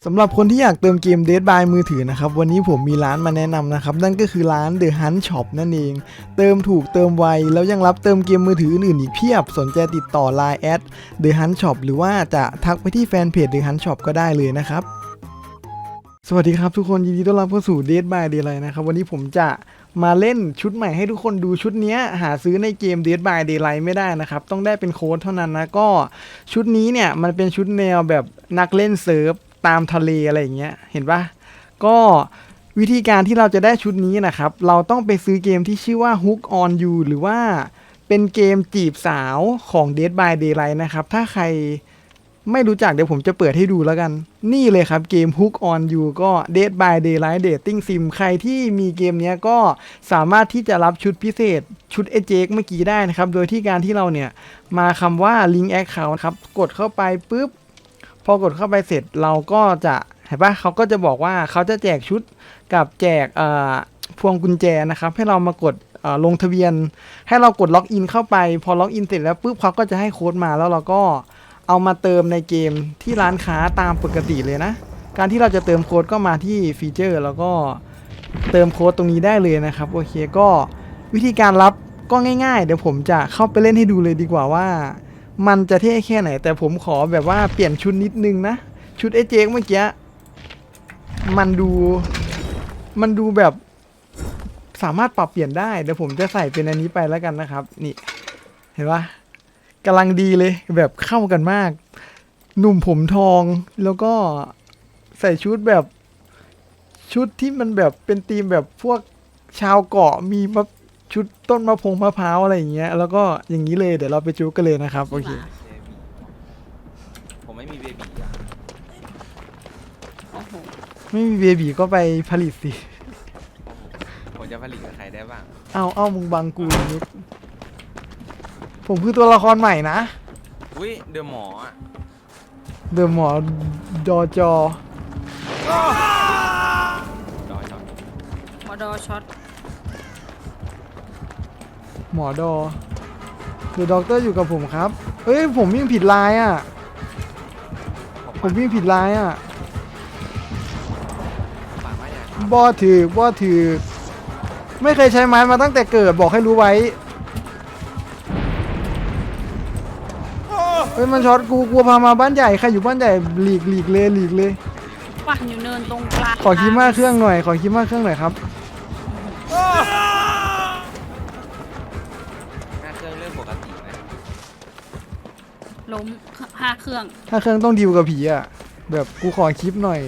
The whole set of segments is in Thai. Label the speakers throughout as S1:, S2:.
S1: สำหรับคนที่อยากเติมเกม Dead by มือถือนะครับวันนี้ผมมีร้านมาแนะนำนะครับนั่นก็คือร้าน The Hunt Shop นั่นเองเติมถูกเติมไวแล้วยังรับเติมเกมมือถืออื่นๆอีกเพียบสนใจติดต่อ Line @The Hunt Shop หรือว่าจะทักไปที่แฟนเพจ The Hunt Shop ก็ได้เลยนะครับสวัสดีครับทุกคนยินดีต้อนรับเข้าสู่ Dead by Daylight นะครับวันนี้ผมจะมาเล่นชุดใหม่ให้ทุกคนดูชุดนี้หาซื้อในเกม Dead by Daylight ไม่ได้นะครับต้องได้เป็นโค้ดเท่านั้นนะก็ชุดนี้เนี่ยมันเป็นชุดแนวแบบนักเล่นเซิร์ฟตามทะเลอะไรอย่างเงี้ยเห็นปะก็วิธีการที่เราจะได้ชุดนี้นะครับเราต้องไปซื้อเกมที่ชื่อว่า Hook on You หรือว่าเป็นเกมจีบสาวของ Dead by Daylight นะครับถ้าใครไม่รู้จักเดี๋ยวผมจะเปิดให้ดูแล้วกันนี่เลยครับเกม Hook on You ก็ Dead by Daylight Dating Sim ใครที่มีเกมนี้ก็สามารถที่จะรับชุดพิเศษชุดเอเจกเมื่อกี้ได้นะครับโดยที่การที่เราเนี่ยมาคำว่า Link Account ครับกดเข้าไปปุ๊บพอกดเข้าไปเสร็จเราก็จะเห็นปะเขาก็จะบอกว่าเขาจะแจกชุดกับแจกพวงกุญแจนะครับให้เรามากดลงทะเบียนให้เรากดล็อกอินเข้าไปพอล็อกอินเสร็จแล้วปุ๊บเขาก็จะให้โค้ดมาแล้วเราก็เอามาเติมในเกมที่ร้านค้าตามปกติเลยนะการที่เราจะเติมโค้ดก็มาที่ฟีเจอร์แล้วก็เติมโค้ดตรงนี้ได้เลยนะครับโอเคก็วิธีการรับก็ง่ายๆเดี๋ยวผมจะเข้าไปเล่นให้ดูเลยดีกว่าว่ามันจะเท่แค่ไหนแต่ผมขอแบบว่าเปลี่ยนชุดนิดนึงนะชุดเอเจกเมื่อกี้มันดูแบบสามารถปรับเปลี่ยนได้เดี๋ยวผมจะใส่เป็นอันนี้ไปแล้วกันนะครับนี่เห็นปะกำลังดีเลยแบบเข้ากันมากหนุ่มผมทองแล้วก็ใส่ชุดแบบชุดที่มันแบบเป็นธีมแบบพวกชาวเกาะมีชุดต้นมะพร้าวอะไรอย่างเงี้ยแล้วก็อย่างนี้เลยเดี๋ยวเราไปจูกันเลยนะครับโอเค
S2: ผมไม่มีเบบีอ่ะ
S3: โอ้โห
S1: ไม่มีเบบีก็ไปผลิตสิ
S2: ผมจะผลิตกับใครได้บ้าง
S1: เอามึงบังกูนิดผมคือตัวละครใหม่นะ
S2: อุ้ยเดอะหมออ่ะ
S1: เดอะหมอดอจอ
S2: ดอยช็อต
S3: มอดอช็อต
S1: หมอดอเดอะด็อกเตอร์อยู่กับผมครับเอ้ยผมวิ่งผิดลายอ่ะผมวิ่งผิดลายอ่ะ
S2: ปากว่าอย่าง
S1: บอถือไม่เคยใช้ไม้มาตั้งแต่เกิดบอกให้รู้ไว้เฮ้ยมันช็อตกูกลัวพามาบ้านใหญ่ใครอยู่บ้านใหญ่หลีกเลย
S3: ปั่นอยู่เนินตรงกลาง
S1: ขอคิดมากเครื่องหน่อยครับ
S2: หน้าเครื่องเรื่องปกตินะ
S3: ล้มห้าเครื่อง
S1: ถ้าเครื่องต้องดิวกับผีอ่ะแบบกูขอคลิปหน่อย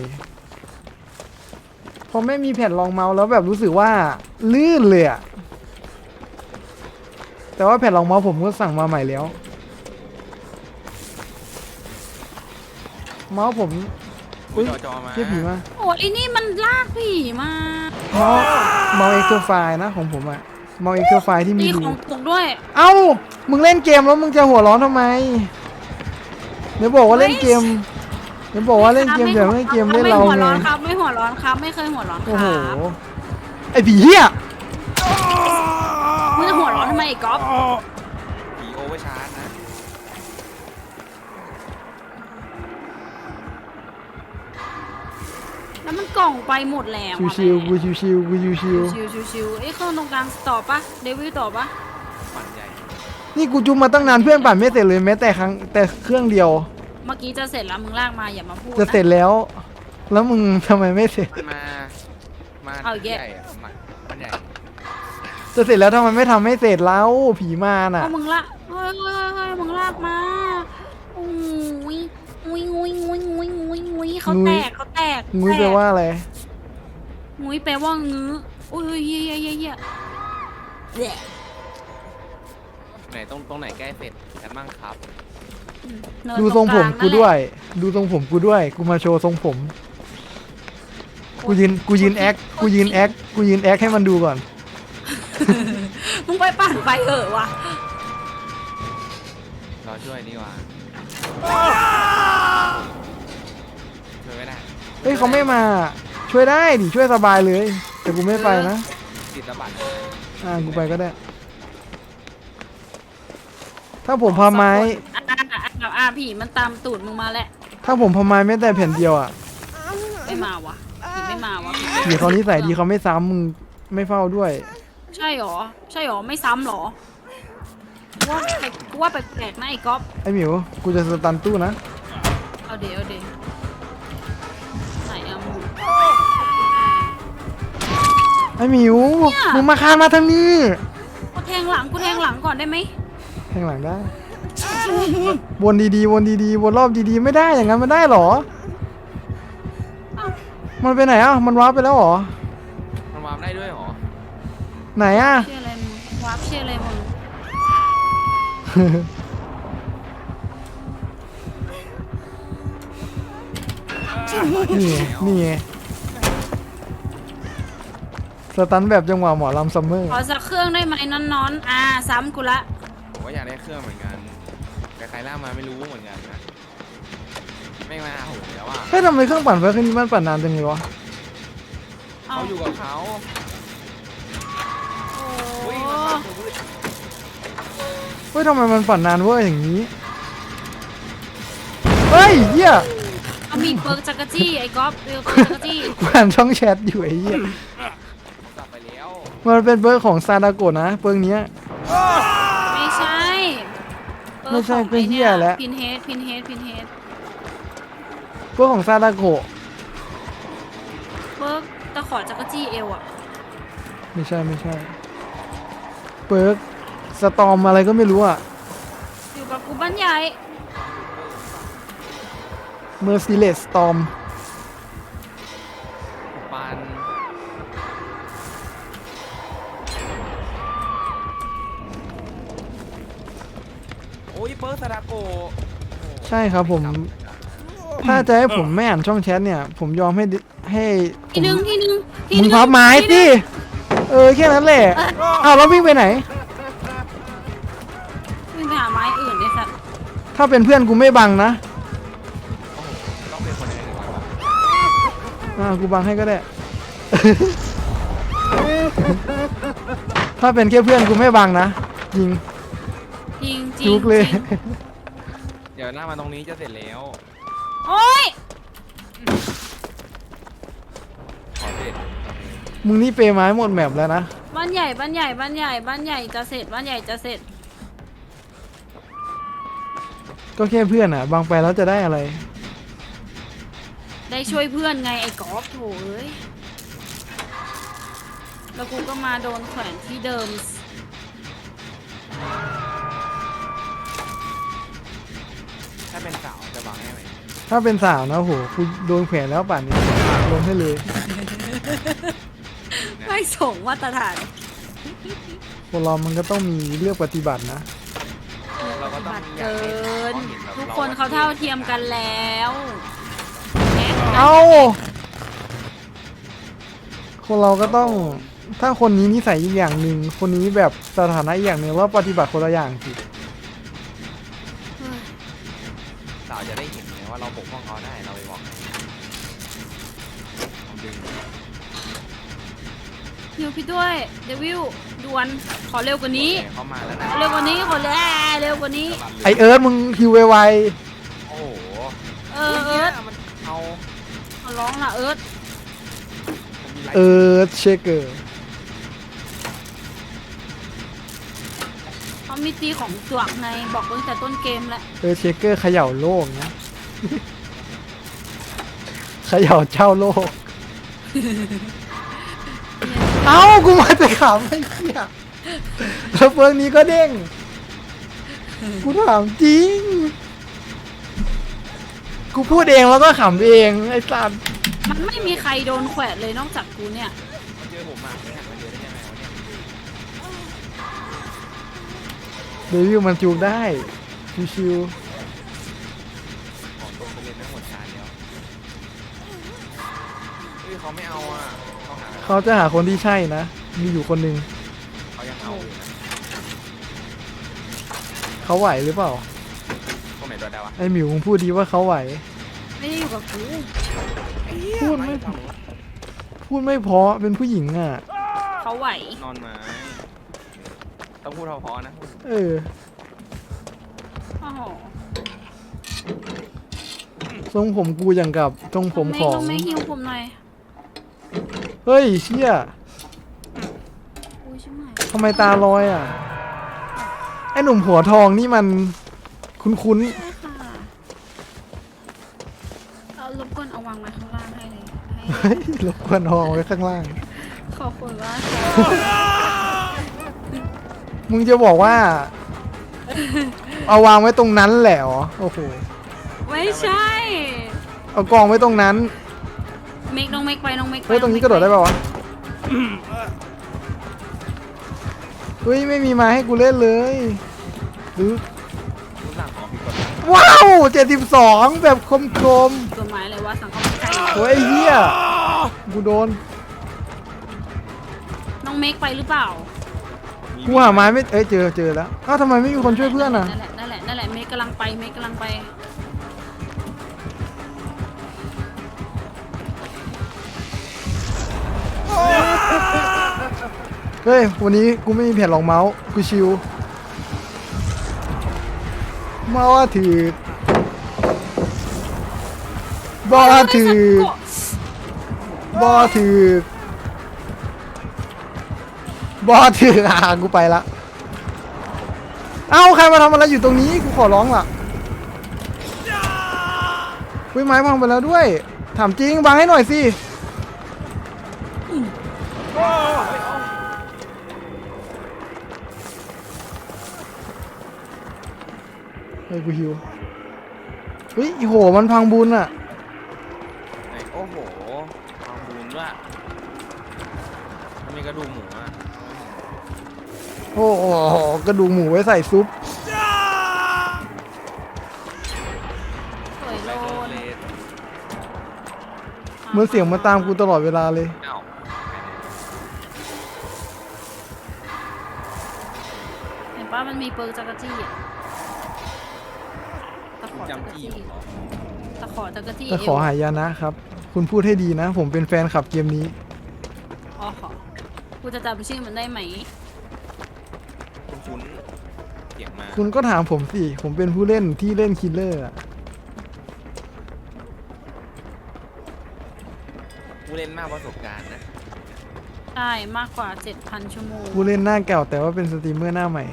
S1: พอไม่มีแผ่นรองเมาส์แล้วแบบรู้สึกว่าลื่นเลยอ่ะแต่ว่าแผ่นรองเมาส์ผมก็สั่งมาใหม่แล้วเมาส์ผม
S2: อุ้ยจอมา
S1: เทียบผีมา
S3: โอ้ยไอ้นี่มันลากผีมา
S1: เมาส์เอ็กซ์เตอร์ไฟล์นะของผมอะเมาส์เอ็กซ์เตอร์ไฟล์ที่มี
S3: นี่
S1: ดู
S3: ของตกด้วย
S1: เอ้ามึงเล่นเกมแล้วมึงจะหัวร้อนทำไมเดี๋ยวบอกว่าเล่นเกมเดี๋ยวบอกว่าเล่นเกมแต่ไม่เล่นเกมเล่นเรา
S3: ไม่หัว
S1: ไง
S3: ร้อนครับ ไม่หัวร้อนครับ ไม่เคยหัวร้อนค
S1: โอ้โห
S3: รับ
S1: ไอ้ผีเหี้ย
S3: มึงจะหัวร้อนทำไมไอ้ก๊อฟ
S2: ผีโอเวอร์ชาร์จนะ
S3: แล้วมันกล่องไปหมดแล้วอะ
S1: ชิวๆกูชิวๆ
S3: ชิวชิวไอ้เครื่องตรงกลางต่อปะเดวิลต่อปะ
S2: ปั่นใหญ่
S1: นี่กูจุ่มมาตั้งนานเพื่อนปั่นไม่เสร็จเลยแม้แต่เครื่องเดียว
S3: เมื่อกี้จะเสร็จแล้วมึงลากมาอย่ามาพูด
S1: จะเสร็จแล้ว แล้วมึงทำไมไม่เสร็จ
S2: มา
S3: เอาอีกแยะ
S2: ใหญ่อะมาปั่นใหญ่
S1: จะเสร็จแล้วทำไมไม่ทำให้เสร็จแล้วผีมาน่ะ
S3: เอามึงละเฮ้ยมึงลากมาอุ้ยเขาแตก
S1: งุ้ยแปลว่าอะไร
S3: งุ้ยแปลว่างื้ออุ้ยเยี่ยแหละ
S2: ไหนตรงไหนใกล้เสร็จกันบ้างครับ
S3: เนิน
S1: ดูทรงผม
S3: ต
S1: กู
S3: กลา
S1: ด้วย ดูทรงผมกูด้วย กูมาโชว์ทรงผม กูยืนแอคให้มันดูก่อน
S3: มึงไปปั่นไปเถอะวะ
S2: รอช่วยดีกว่าช่วยไม่ได้
S1: เฮ้ยเขาไม่มา ช่วยได้ดิช่วยสบายเลย แต่กูไม่ไปนะ
S2: ติดระบาด
S1: กูไปก็ได้ ถ้าผมพาไม้
S3: ผีมันตามตูดมึงมาแหละ
S1: ถ้าผมพาไม้แม้แต่แผ่นเดียวอ่ะ
S3: ไม่มาวะผีไม่มาวะ
S1: ผีเขานิสัยดีเขาไม่ซ้ำมึงไม่เฝ้าด้วย
S3: ใช่หรอใช่หรอไม่ซ้ำหรอกูว่าแปลกๆนะไอ้ก๊อฟ
S1: ไอ้หมิวกูจะสตันตู้นะ
S3: เอาเดี๋ยวไหนอะมึง
S1: ไอ้หมิวมึงมาคานมาทางนี้
S3: กูแทงหลังก่อนได้ไหม
S1: แทางหลังได้ วนดีๆวนดีๆวนรอบดีๆไม่ได้อย่างนั้นมันได้เหรอ
S3: เอ้า
S1: มันไปไหนอ่ะมันวาร์ปไปแล้วเหรอ
S2: มันวาร์ปได้ด้วยเหรอ
S1: ไหนอ่ะ
S3: เชื่ออะไรมึงวาร์ปเชื่ออะไรมึง
S1: นี่ไงสตันแบบจังหวะหมอลำซัมเมอร์
S3: ขอสักเครื่องได้ไหมนอนซ้ำกูละ
S2: ผมก็อยากได้เครื่องเหมือนกันแต่ใครล่ามาไม่รู้เหมือนกันนะไม่มาหาผมแล้วอ่ะ
S1: เฮ้ยทำไมเครื่องปั่นไฟเครื่องนี้มันปั่นนานจังเลยวะ
S3: เอา
S2: เขาอยู่กับเขา
S3: โอ้
S2: อุ้ย
S1: เฮ้ยทำไมมันปั่นนานเว้ยอย่างนี้ เฮ้ยเหี้ย
S3: เอามีเปิร์กจักรจี้ไอ้ก๊อฟเปิร์กจักรจี้
S1: กูอ่านช่องแชทอยู่ไอ้เหี้ย
S2: ผมกลับไปแล้ว
S1: มันเป็นเบิร์กของซาดาโกะนะเบิร์กเนี้ย
S3: ไม่ใช่
S1: ไม่ใช่เป็นเหี้ยแล้ว
S3: พินเฮด
S1: เบิร์กของซาดาโกะ
S3: เปิร์กตะขอจักรจี้เอวอะ
S1: ไม่ใช่เบิร์กสตอมอะไรก็ไม่รู้อ่ะ
S3: อยู่กับกูบ้านใหญ่
S1: เมอร์ซิเลสสตอม
S2: ปันโอ้ยเปิร์สซาดาโกะ
S1: ใช่ครับผม ถ้าจะให้ผมไม่อ่านช่องแชทเนี่ย ผมยอมให้ผ
S3: ที
S1: ม
S3: นึง
S1: มึงพับไม้สิแค่นั้นแหละอ้าวแล้ววิ่งไปไหน
S3: วิ่งไปหาไม้อื่นเลยสัตว์
S1: ถ้าเป็นเพื่อนกูไม่บังนะ
S2: ต้องเป็นคนอื่นหรือเปล่า
S1: กูบังให้ก็ได้ ถ้าเป็นแค่เพื่อนกูไม่บังนะจริง
S3: จริง
S1: จุกเลย
S2: เดี๋ยวหน้ามาตรงนี้จะเสร็จแล้ว
S3: โอ๊ย
S2: ขอเสร็จ
S1: มึงนี่เปย์ไม้หมดแมปแล้วนะ
S3: บ้านใหญ่จะเสร็จบ้านใหญ่จะเสร็จ
S1: ก็แค่เพื่อนอ่ะบังไปแล้วจะได้อะไร
S3: ได้ช่วยเพื่อนไงไอ้กอล์ฟโถเอ้ยแล้วกูก็มาโดนแขวนที่เดิม
S2: ถ้าเป็นสาวจะวางให้ไหม
S1: ถ้าเป็นสาวนะโหกูโดนแขวนแล้วป่านนี้ลงให้เลย
S3: ไม่ส่งมาตรฐาน
S1: คนเรามันก็ต้องมีเลือกปฏิบัตินะ
S2: เราก็ต้อง
S3: บัตร
S2: อยาก
S3: เกิ
S2: ให้
S3: น
S2: เขาเห็นแบบ
S3: ทุกคนเขาเท่าเทียมกันแล้วแนะ
S1: เอ้า คนเราก็ต้อง ถ้าคนนี้นิสัยอีกอย่างหนึ่งคนนี้แบบสถานะอีกอย่างหนึ่งว่าปฏิบัติคนละอย่างสิ
S3: เฮ้ย
S2: สาวจะได้เห็นไงว่าเราปกป้องเขาได้เราไปบอกให้ลองดึง
S3: ฮิวพี่ด้วยเดวิลด่วนขอเร็วกว่านี้
S2: โอเคเขามาแล้วนะ
S3: ขอเร็วกว่านี้ขอเร็วกว่านี้
S1: ไอเอิร์ธมึงคิวไว
S2: โอ้โห
S3: เอิร์ธ
S2: มันเอา
S3: ขอร้องล่ะเอิร์ธ
S2: ผมมีไล
S1: ๆ
S2: ฟ์
S1: เอิร์ธเชคเกอร์
S3: เขามีตีของจวกในบอกตั้งแต่ต้นเกมแล้ว
S1: เอิร์ธเชคเกอร์เขย่าโลกนะ เขย่าเจ้าโลก เอ้ากูมาจะขำไอ้เหี้ยแล้วเฟิร์กนี้ก็เด้ง กูถามจริง กูพูดเองแล้วก็ขำเองไอ้สัตว์
S3: มันไม่มีใครโดนแขวนเลยนอกจากกูเนี่ย
S2: มาเจอผมอ่ะไม่หันมาเจอได้ยังไงวะเนี่ย
S1: เดวิลมันจูงได้ชิว
S2: ของตัวไปเล่นทั้งหมดชาเดียวเฮ้ยเขาไม่เอาอ่ะเขาหา
S1: ๆเขาจะหาคนที่ใช่นะ มีอยู่คนหนึ่ง
S2: เขายังเอาอยู่นะ
S1: เขาไหวหรือเปล่า
S2: ตรงไหนตัวดาวะ
S1: ไอ้หมิวมึงพูดดีว่าเขาไหว
S3: ไม่ได้อยู่กับกู
S1: พูดไม่ พูดไม่เพราะเป็นผู้หญิงอ่ะ
S3: เขาไหวน
S2: อนไม้ต้องพูดเพอๆนะ
S1: เออ
S3: โอ้โห
S1: สทรงผมกูอย่างกับทรงผมของ
S3: น้องเมฆหิวผมหน่อย
S1: เฮ้ยเชี่ย
S3: อุ้ยใช่ไหม
S1: ทำไมตาลอยอ่ะไอ้หนุ่มหัวทองนี่มันคุ้น
S3: ใช่ค่ะเอารบกวนเอาวางมาข้างล่างให้เลยให้
S1: ๆเฮ้ยรบกวนทองไว้ข้างล่าง
S3: ขอบคุณว่า
S1: มึงจะบอกว่า เอาวางไว้ตรงนั้นแหละเหรอโอ้โห
S3: ไม่ใช่
S1: เอากองไว้ตรงนั้น
S3: เมกน้องเมกไปน้องเมกไป
S1: เฮ้ยตรงนี้กระโดดได้ป่าวะเฮ้ยไม่มีไมาให้กูเล่นเลยหรือ
S2: รู้สั่งของผิดกฎหมาย
S1: ว้าว72แบบคม
S3: ตัวไม้เลยว่าสั่งเข้ามาใกล้
S1: ๆโอ้ยไอ้เหี้ยกูโดน
S3: น้องเมกไปหรือเปล่า
S1: กูหาไม้ไม่เจอแล้วอ้าวทำไมไม่มีคนช่วยเพื่อนอ่ะ
S3: นั่นแหละเมกกำลังไปเมกกำลังไป
S1: เฮ้ยวันนี้กูไม่มีแผ่นรองเมาส์กูชิวมาว่าถือบอถือบอถือบอถือกูไปละเอ้าใครมาทำอะไรอยู่ตรงนี้กูขอร้องล่ะเฮ้ยไม้พังไปแล้วด้วยถามจริงวางให้หน่อยสิเฮ้ยกูหิวเฮ้ยโหมันพังบุญอ่ะ
S2: ไอ้โอ้โหความบูนด้วยมันมีกระดูกหมูอ่ะ
S1: โอ้โหกระดูกหมูไว้ใส่ซุป
S3: สวยโล
S2: ไโด
S3: น
S2: เลส
S1: เหมื่อนเสียงมาตามกูตลอดเวลาเลย
S2: เอ้า
S3: เห็นป้ามันมีเปิร์กจักรจี้อ่ะตะขอจักร
S2: จำจี้
S3: จี้
S2: เหรอ
S3: ตะขอจักรจี้
S1: แต่ขอหายานะครับ คุณพูดให้ดีนะ ผมเป็นแฟนคลับเกมนี้
S3: อ๋อขอกูจะจำชื่อมันได้ไหม
S2: คุ้นๆเสียงมา
S1: คุณก็ถามผมสิ ผมเป็นผู้เล่นที่เล่นคิลเลอร์อะ
S2: ผู้เล่นมากประสบการณ์นะ
S3: ใช่มากกว่า 7,000 ชั่วโมง
S1: ผู้เล่นหน้าเก่าแต่ว่าเป็นสตรีมเมอร์หน้าใหม่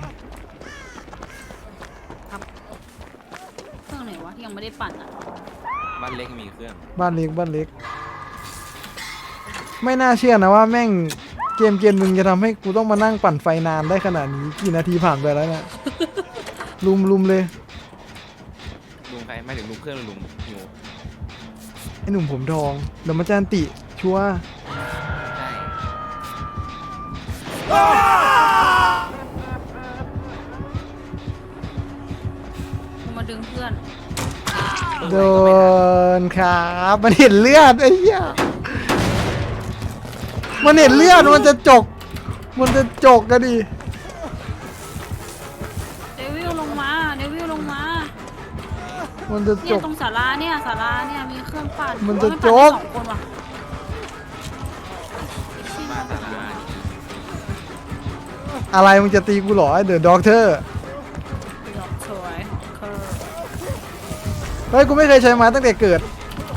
S3: ครับเครื่องไหนวะที่ยังไม่ได้ปั่นอ่ะ
S2: บ้านเล็กมีเครื่อง
S1: บ้านเล็กบ้านเล็ก ไม่น่าเชื่อนะว่าแม่งเกมหนึ่งจะทำให้กูต้องมานั่งปั่นไฟนานได้ขนาดนี้กี่นาทีผ่านไปแล้วเนี่ย ลุมเลย
S2: ลุงใครไม่ถึงลุงเครื่องหรือลุงหิว
S1: ไอ้หนุ่มผมทองเดี๋ยวมาจานติ ชัวร์
S2: ใช่
S3: กูมาดึงเพื่อน
S1: โดนครับมันเห็นเลือดไอ้เหี้ยมันเห็นเลือดมันจะจกกันดิ
S3: เดวิลลงมาเดวิลลงมา
S1: มันจะจ
S3: เนี่ย
S1: ก
S3: ตรงศาลาเนี่ยศาลาเนี่ยมีเครื่องปั่น
S1: มันจะ
S3: โอ้ย
S1: โจ๊
S3: ปั่น
S1: ก
S3: ได้2 คนว่ะ
S2: บ้านตลาด
S1: อะไรมึงจะตีกูเหรอไอ้เดอะด็อกเตอร์
S3: ดอกสวยเคอร์
S1: เฮ้ยกูไม่เคยใช้ไม้ตั้งแต่เกิด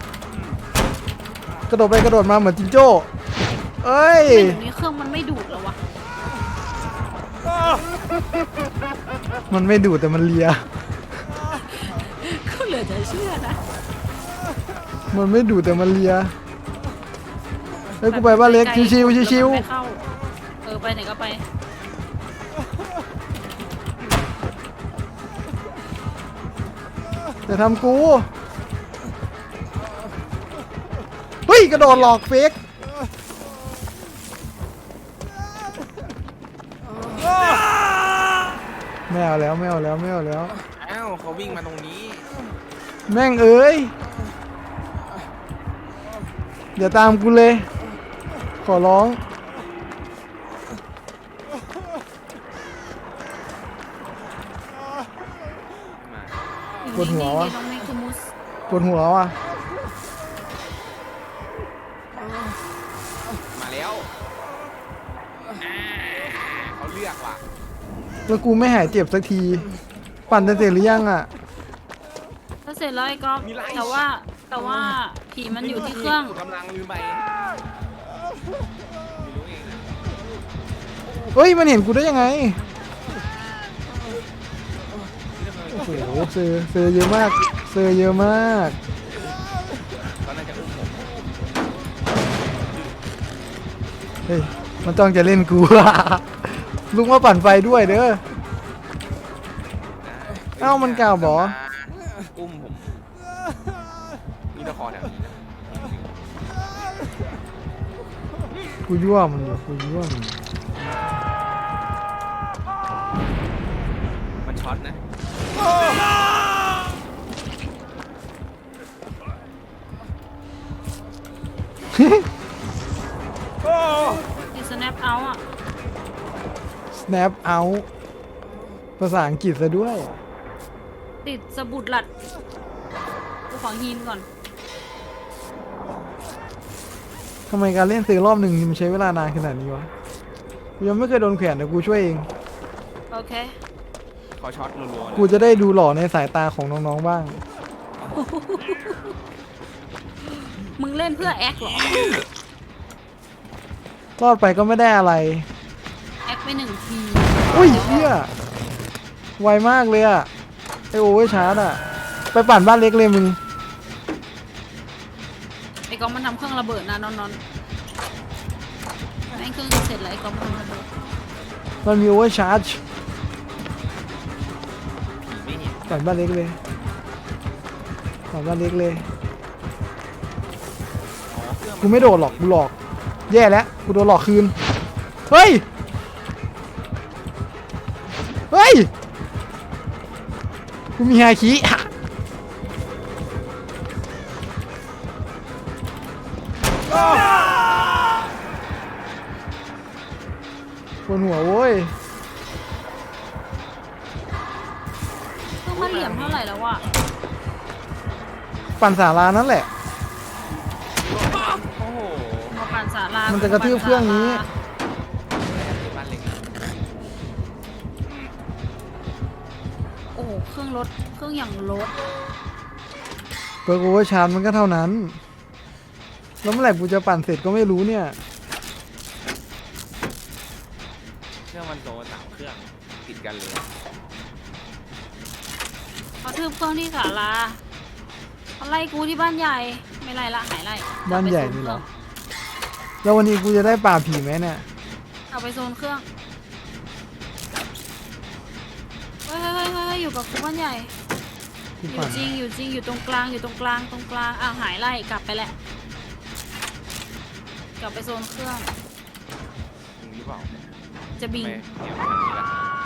S1: กระโดดไปกระโดดมาเหมือนจิงโจ้เอ้ย
S3: เดี๋ยวนี้เครื่องมันไม่ดูดแล้ววะ
S1: มันไม่ดูดแต่มันเลีย
S3: ก็เหลือจะเชื่อนะ
S1: มันไม่ดูดแต่มันเลียเฮ้ยกูไปบ้านเล็กชิวๆชิว
S3: ไม่เข้าไปไหนก็ไป
S1: ๆแต่ทำกูเฮ้ยกระโดดหลอกเฟกไม่เอาแล้วไม่เอาแล้วไม่เอาแล้ว
S2: อ้าวเขาวิ่งมาตรงนี้
S1: แม่งเอ้ยอย่าตามกูเลย ขอร้อง
S2: มา
S1: ปวดหัววะ
S3: น้องเมคูมุส
S1: ปวดหัวว่ะ
S2: มาแล้วเขาเลือกว่ะ
S1: แล้วกูไม่หายเจ็บสักที ปั่นจะเสร็จหรือยังอ่ะ
S3: ก็เสร็จแล้วไอ้ก๊อฟแต่ว่าแต่ว่าผีมันอยู่ที่เครื่อง
S2: กำลังลืมไปไม่รู้เองนะ
S1: เฮ้ยมันเห็นกูได้ยังไง
S2: เรื่องอะไร
S1: โอ้โหเซอร์เยอะมากเซอร์เยอะมาก
S2: ก็น่าจะอุ้มผม
S1: เฮ้ยมันต้องจะเล่นกู ลุงมาปั่นไฟด้วยเด้อ เอ้ามันกล่าวบอ
S2: อุ้มผมมีตะคอแถวนี้นะ
S1: กูยั่วมันอยู่กูยั่วมัน
S2: มันช็อตนะ
S3: ติด snap out อ่ะ
S1: snap out ภาษาอังกฤษซะด้วย
S3: ติดสะบุดหลัดกูขอฮีนก่อน
S1: ทำไมการเล่นซื้อรอบหนึ่งมันใช้เวลานานขนาดนี้วะกูยังไม่เคยโดนแขวนแต่กูช่วยเอง
S3: โอเค
S2: ขอช็อตรัวๆ
S1: กูจะได้ดูหล่อในสายตาของน้องๆบ้าง
S3: มึงเล่นเพื่อแอคเหรอ
S1: รอดไปก็ไม่ได้อะไร
S3: แอคไปหนึ่งที
S1: อุ้ยเฮียไวมากเลยอะไอโอเวอร์ชาร์จอะไปปั่นบ้านเล็กเลยมึง
S3: ไอ้กองมันทำเครื่องระเบิดนะนอนแม่งเครื่องจะเสร็จแล้วไอ้กองมันทำระเบิด
S1: มันมีโอเวอร์ชาร์จ
S2: ไม่เห็น
S1: ปั่นบ้านเล็กเลยปั่นบ้านเล็กเลย
S2: อ๋อเครื่อง
S1: กูไม่โดดหรอกกูหลอก แย่แล้วกูโดนหลอกคืน เฮ้ย เฮ้ย กูมีฮาคิบนหัวโว้ย
S3: เครื่องมันเหลี่ยมเท่าไหร่แล้ววะ
S1: ปั่นสารานั่นแหละ
S2: โอ้โห
S3: มาปั่นศาลา
S1: มันจะกระทืบเครื่องนี้
S2: บ้านเล็ก
S3: โอ้โหเครื่องรถเครื่องอย่างรถ
S1: เปิร์กโอเวอร์ชาร์จมันก็เท่านั้น แล้วเมื่อไหร่กูจะปั่นเสร็จก็ไม่รู้เนี่ย
S2: เครื่องมันโต3เครื่องติดกันเลย
S3: เขาทืบเครื่องที่ศาลาเขาไล่กูที่บ้านใหญ่ไม่ไล่ละหายไล่
S1: บ้านใหญ่นี่เหรอ แล้ววันนี้กูจะได้ป่าบผีไหมเนี่ย
S3: เอาไปโซนเครื่องเฮ้ยอยู่กับกูบ้านใหญ่
S1: ที่
S3: อยู่
S1: ปั่น
S3: จริงอยู่ตรงกลางตรงกลางอ้าวหายไล่กลับไปแหละกลับไปโซนเครื่อง
S2: มึงหรือเปล่า
S3: จะบิง
S2: ไม่เดี๋ยวแบบนี้ละ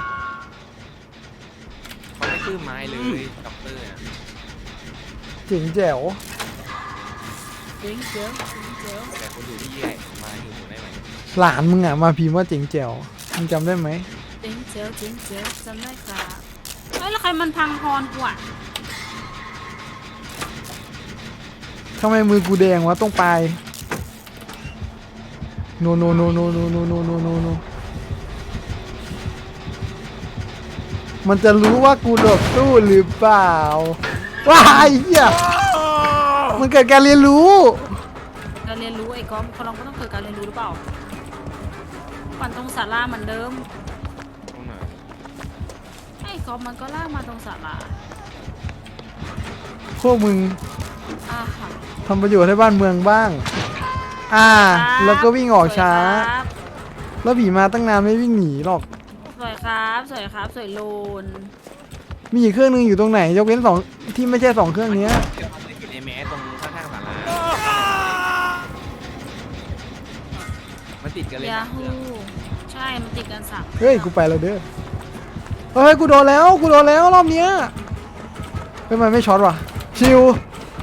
S2: เขาไม่ตื้มไม้เลยด็อกเตอร์อะ
S1: เจ๋งแจ๋ว
S3: เจ๋งเจ๋ง
S2: แต่คนอยู่ที่ใหญ่มาอยู่ได้ไหม
S1: หลานมึงอ่ะมาพิมพ์ว่าเจ๋งแจ๋วมึงจำได้ไหม
S3: จำได้ครับเฮ้ยแล้วใครมันพังพรกูอ่ะ
S1: ทำไมมือกูแดงวะตรงปลายโนมันจะรู้ว่ากูหลบตู้หรือเปล่าว้ายเหี้ยมันเกิดการเรียนรู้
S3: การเรียนรู้ไอ้ก๊อฟเขาลองก็ต้องเกิดการเรียนรู้หรือเปล่าปั่นตรงศาลาเหมือนเดิม
S2: ตรงไหน
S3: ไอ้ก๊อฟมันก็ลากมาตรงศาลา
S1: พวกมึง
S3: ค่ะ
S1: ทำประโยชน์ให้บ้านเมืองบ้าง แล้วก็วิ่งออกช้า แล้วผีมาตั้งนานไม่วิ่งหนีหรอก
S3: สวยครับสวยโลน
S1: มีอีกเครื่องหนึงอยู่ตรงไหน ยกเว้นสองที่ไม่ใช่สองเครื่องเนี้ย
S2: เดี๋ยวเขาจะอยู่ในแมสตรงข้างๆศาลามันติดกันเลย
S3: ยา
S2: นะเค
S3: ฮู
S2: รื่อง
S3: ใช่มันติดกัน3
S1: เฮ้ย กูไปแล้วเด้อ เฮ้ย กูโดนแล้วรอบเนี้ยเฮ้ยมันไม่ช็อตว่ะ ชิว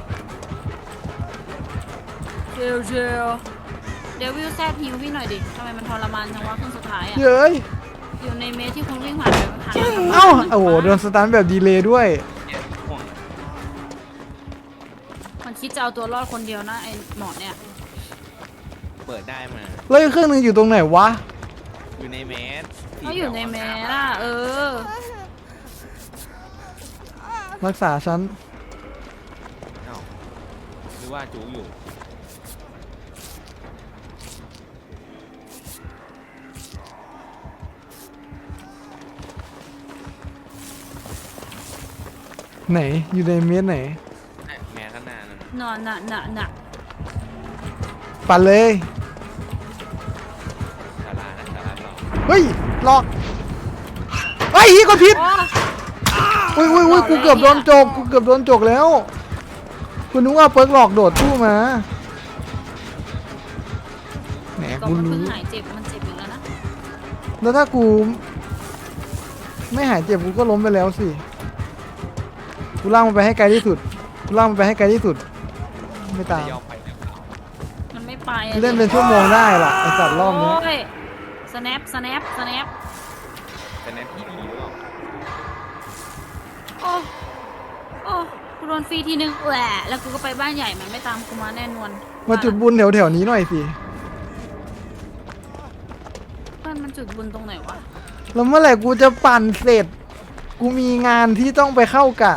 S3: เจลเดวิลแซดฮิวพี่หน่อยดิทำไมมันทรมานจังวะเครื่องสุดท้ายอ่ะ
S1: เย้ย
S3: อยู่ในเมสที่คุณวิ่งผ่านไปผ่าน
S1: เอ้า โอ้โห โดนสตันแบบดีเลย์ด้วย
S2: เนี่ยห่วง
S3: มันคิดจะเอาตัวรอดคนเดียวนะไอ้หมอเนี่ย
S2: เปิดได้มา
S1: แล้วอีกเครื่องหนึงอยู่ตรงไหนวะ
S2: อยู่ในแมส
S3: เขาอยู่ในเมสอ่ะอ
S1: รักษาฉัน
S2: เอ้าคือว่าจูอยู่
S1: ไหนอยู่ในเมตรไหน
S2: แม่ข้างหน้านั่น
S3: นอนน่ะ
S1: ปั่นเลย
S2: ศาลานะศาลาเรา
S1: เฮ้ยหลอกไอ้ยกดผิด
S3: โอ้
S1: อุ้ยกูเกือบโดนจกกูเกือบโดนจกแล้วคุณนึกว่าเปิร์กหลอกโดดตู้มาแหม
S3: ก็
S1: กู
S3: มันเพิ่
S1: รู้
S3: งหายเจ็บมันเจ็บอีกแล้วนะ
S1: แล้วถ้ากูไม่หายเจ็บกูก็ล้มไปแล้วสิกูล่ากมันไปให้ไกลที่สุดกูล่ากมันไปให้ไกลที่สุดไม่ตาม
S2: จะยอมไปเนี่ย
S3: มันไม่ไป
S1: กูเล่นเป็นชั่วโมงได้ล่ะไอสัตว์รอบนี้
S3: โอ้ยสแนป
S2: แต่นั้นพี่ดีหรือเปล่า
S3: โอ้กูโดนฟรีทีนึงแหละแล้วกูก็ไปบ้านใหญ่มันไม่ตามกูมาแน่นอน
S1: มาจุดบุญแถวๆนี้หน่อยสิ
S3: เพื่อนมันจุดบุญตรงไหนวะ
S1: แล้วเมื่อไหร่กูจะปั่นเสร็จกูมีงานที่ต้องไปเข้ากะ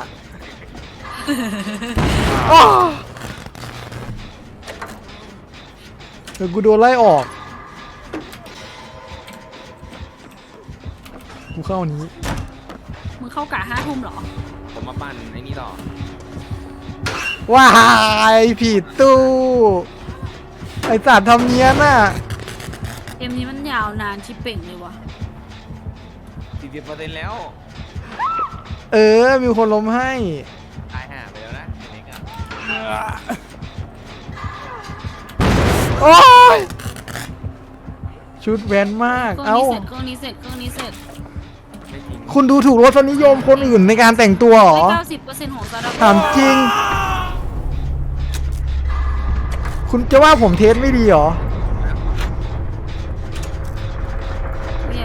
S1: อ้อเดี๋ยวกูโดนไล่ออกกูเข้าอันนี้
S3: มึงเข้ากะ5 ทุ่มเหรอ
S2: ผมมาปั่นไอ้นี่ต่อ
S1: ว้ายผิดตู้ไอสัตว์ทำเนี้ยน่ะ
S3: เกมนี้มันยาวนานชิบเป่งเลยวะ
S2: 40%แล้ว
S1: เออมีคนล้มให้
S2: ตายห่าไปแล้วนะอันนี้ก็
S1: โอ้ยชุดแวนมาก
S3: เครื่
S1: เอ้า
S3: นี้เสร็จ
S2: ไม่จริง
S1: คุณดูถูกรสนิยมคนอื่นในการแต่งตัวเหรอ
S3: 90%ของซาดา
S1: ถามจริง คุณจะว่าผมเทสไม่ดีเหรอ
S3: เนี่ย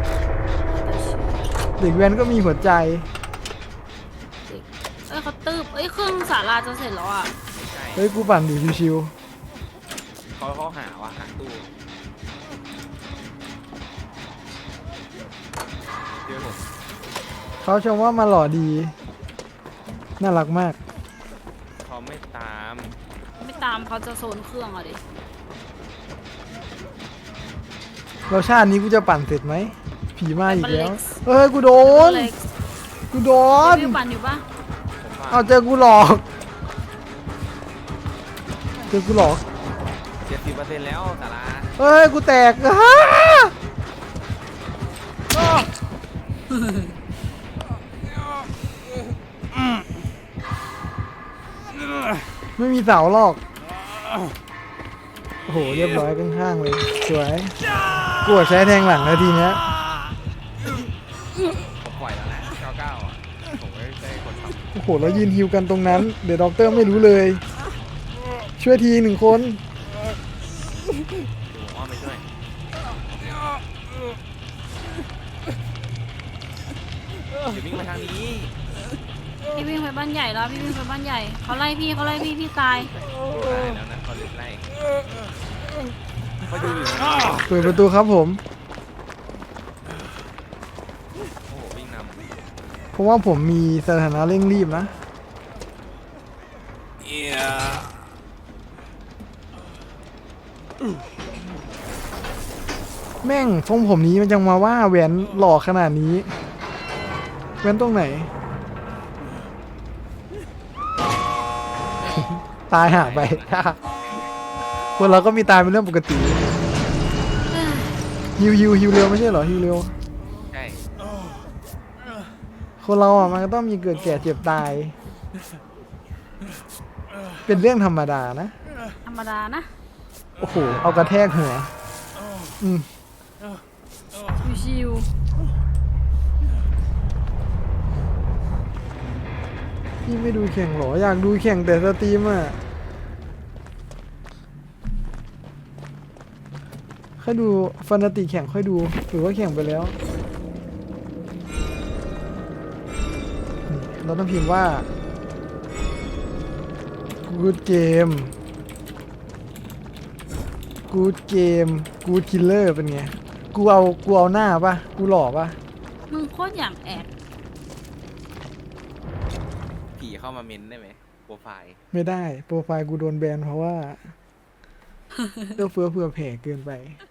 S1: เด็กแวนก็มีหัวใจ
S3: เขาตืบเครื่องศาลาจะเสร็จแล้วอ่ะ
S2: ไม่ใช่
S1: เฮ้ย กูปั่นดิชิว
S2: เขาหาว่าหาตู้เดี๋ยวผม
S1: ๆเขาชมว่ามาหล่อดี น่ารักมาก
S2: เขาไม่ตาม
S3: ไม่ตามเขาจะโซนเครื่องอ่ะดิ
S1: เราชาตินี้กูจะปั่นเสร็จไหม ผีมาอีกแล้ว
S3: ปั่นเล็ก
S1: เฮ้ย กูโดน
S3: เล็ก
S1: กูโดน
S3: วิวปั่นอยู่ปะ
S2: ผมว่า
S1: เอาเจอกูหลอก เจอกูหลอก
S2: 70%แล้วศาลา
S1: เฮ้ย กูแตกอ้าไม่มีเสาหรอก โอ้โห เรียบร้อยข้างๆเลย สวยกลัวใช้แทงหลังแล้วทีเนี้ย
S2: ผมปล่อยแล้วนะ99อ่ะผมไม่ใช่คนทำ
S1: โอ้โห แล้วยืนฮิวกันตรงนั้น เดี๋ยวด็อกเตอร์ไม่รู้เลย ช่วยทีหนึ่งคน
S2: ดูอ้อมไปช่วยเดี๋ยววิ่งมาทางนี้
S3: พี่วิ่งไปบ้านใหญ่แล้วพี่วิ่งไปบ้านใหญ่เขาไล่พี่พี่ตาย
S2: ตายแล้วนะเขาไล่เขาดูอยู่นะ
S1: เปิดประตูครับผม
S2: โอ้โหวิ่งน
S1: เพราะว่าผมมีสถานะเร่งรีบนะ แม่งทรงผมนี้มันจังมาว่าแหวนหล่อขนาดนี้ แหวนตรงไหน ตายหาไป คนเราก็มีตายเป็นเรื่องปกติฮิวเร็วไม่ใช่เหรอฮิวเร็ว
S2: ำใช่
S1: คนเราอ่ะมันก็ต้องมีเกิดแก่เจ็บตาย เป็นเรื่องธรรมดานะ
S3: ธรรมดานะ
S1: โอ้โห เอากระแทกหัว อืม
S3: ชิว
S1: พี่ไม่ดูแข่งเหรอ อยากดูแข่งแต่สตรีมอ่ะค่อยดูฟันติแข่งค่อยดูหรือว่าแข่งไปแล้วนี่เราต้องพิมพ์ว่า good game good game good killer เป็นไง กูเอาหน้าปะกูหล่อปะ
S3: ๆมึงโคตรอย่างแอบ
S2: ผีเข้ามาเมนได้ไหมโปรไฟล์
S1: ไม่ได้โปรไฟล์กูโดนแบนเพราะว่า เอื้อเฟื้อเผื่อแผ่เกินไป